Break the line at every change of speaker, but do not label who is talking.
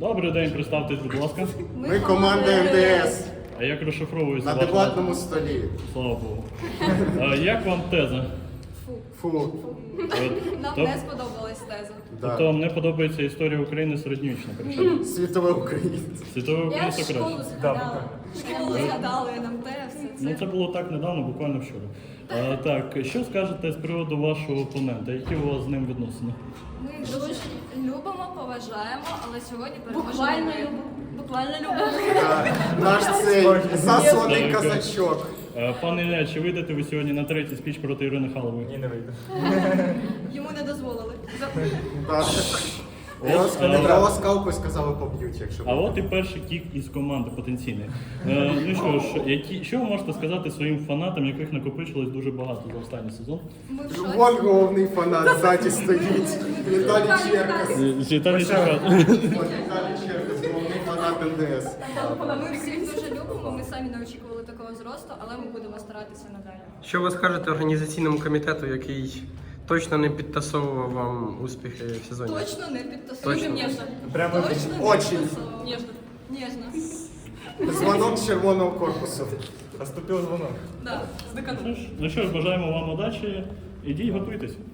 Добрий день, представтесь, будь ласка.
Ми команда МДС
А як розшифровується
на
ваша
дебатному столі.
Слава Богу. Як вам теза?
Фу.
Нам
Тоб-
не сподобалась теза.
Тобто вам не подобається історія України середньовічна, причому?
Світове українське.
Світове
Я
українське
школу
краще.
згадала. Школу згадали нам те, все
Ну
це.
це було так недавно, буквально вчора. Так, що скажете з приводу вашого опонента? Які у вас з ним відносини?
Ми дуже любимо, поважаємо, але сьогодні переможемо.
Буквально
ми.
любимо.
Буквально любимо.
Наш цей засланий
Так.
козачок.
Пане Ілля, чи вийдете ви сьогодні на третій спіч проти Ірини Халової?
Ні, не вийду.
Йому не дозволили.
Так. Про ласкавку сказали поб'ють, якщо
А от і перший кік із команди потенційний. Ну що ж, що ви можете сказати своїм фанатам, яких накопичилось дуже багато за останній сезон?
Ми в
Вон
шоці.
головний фанат ззаді стоїть. Віталій Черкас.
З Віталій Чекат.
Вон Віталій Черкас, головний фанат МДС.
Ми всіх дуже любимо, ми самі не очікували такого зросту, але ми будемо старатися надалі.
Що ви скажете організаційному комітету, який точно не підтасовував вам успіхи в сезоні?
Точно не підтасуємо.
Точно?
Ніжно.
Прямо
Точно не
Очень.
підтасовуємо. Ніжно.
Дзвонок з червоного корпусу.
Поступив дзвонок.
Да, з декану.
Ну що ж, бажаємо вам удачі. Ідіть, готуйтесь.